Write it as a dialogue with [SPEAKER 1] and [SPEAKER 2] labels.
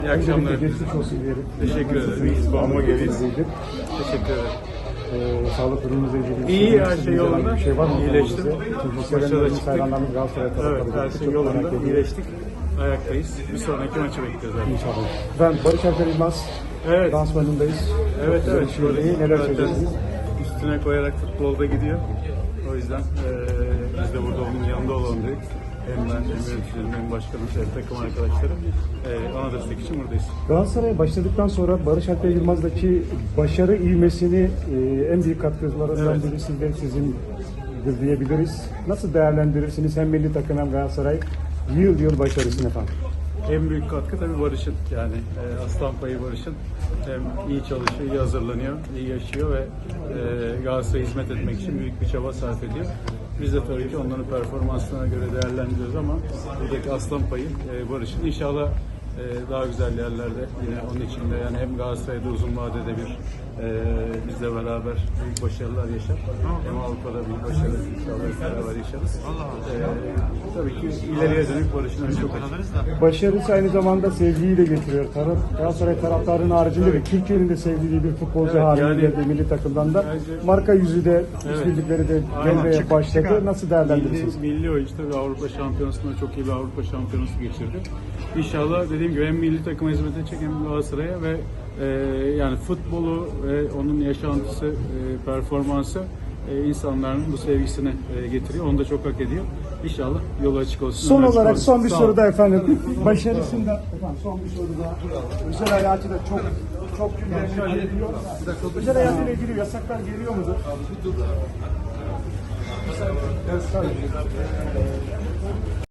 [SPEAKER 1] İyi akşamlar.
[SPEAKER 2] Geçmiş olsun diyelim.
[SPEAKER 1] Teşekkür ederim. İyiyiz. Bağıma geliyiz. Teşekkür ederim.
[SPEAKER 2] Sağlık durumunuzla ilgili
[SPEAKER 1] İyi, her şey yolunda.
[SPEAKER 2] Bir şey var mı?
[SPEAKER 1] İyileştim.
[SPEAKER 2] Başarılı çıktık. Hayranlarımız Galatasaray
[SPEAKER 1] Evet, her şey yolunda. İyileştik. Ayaktayız. Bir sonraki maçı bekliyoruz zaten.
[SPEAKER 2] İnşallah. Ben Barış Alper İlmaz.
[SPEAKER 1] Evet.
[SPEAKER 2] Dansmanındayız.
[SPEAKER 1] Evet.
[SPEAKER 2] Şöyle neler
[SPEAKER 1] Zaten
[SPEAKER 2] söyleyeceksiniz?
[SPEAKER 1] üstüne koyarak futbolda gidiyor. O yüzden biz de burada onun yanında olalım dedik. Hem ben, hem yöneticilerim, hem başkanım, hem takım arkadaşlarım. Ona destek için buradayız.
[SPEAKER 2] Galatasaray'a başladıktan sonra Barış Alper Yılmaz'daki başarı ivmesini en büyük katkılarından biri sizindir diyebiliriz. Nasıl değerlendirirsiniz hem milli takım hem Galatasaray yıl başarısını efendim?
[SPEAKER 1] En büyük katkı tabii Barış'ın, yani aslan payı Barış'ın. Hem iyi çalışıyor, iyi hazırlanıyor, iyi yaşıyor ve Galatasaray'a hizmet etmek için büyük bir çaba sarf ediyor. Biz de tabii ki onların performansına göre değerlendiriyoruz ama buradaki aslan payı Barış'ın. İnşallah daha güzel yerlerde yine onun içinde, yani hem Galatasaray'da uzun vadede bizle beraber büyük başarılar yaşar. Hem Avrupa'da büyük başarılar inşallah beraber yaşarız. Tabii ki ileriye dönük Barış'ın önü çok açık.
[SPEAKER 2] Başarısı aynı zamanda sevgiyi de getiriyor. Galatasaray taraftarının haricinde de Türkiye'nin de sevdiği bir futbolcu haline
[SPEAKER 1] yani,
[SPEAKER 2] geldi milli takımdan da. Marka yüzü de, işbirlikleri de gelmeye başladı. Nasıl değerlendirirsiniz?
[SPEAKER 1] Milli oyuncu tabii Avrupa Şampiyonası'nda çok iyi bir Avrupa Şampiyonası geçirdi. İnşallah dediğim gibi hem milli takıma hizmet edecek hem Galatasaray'a ve yani futbolu ve onun yaşantısı, performansı insanların bu sevgisini getiriyor. Onu da çok hak ediyor. İnşallah yolu açık olsun.
[SPEAKER 2] Son olarak son bir soru da efendim. Başarısında efendim son bir soru da. Özel hayatı da çok güzel geliyor. Özel hayatıyla ilgili yasaklar geliyor mudur? Evet, tabii.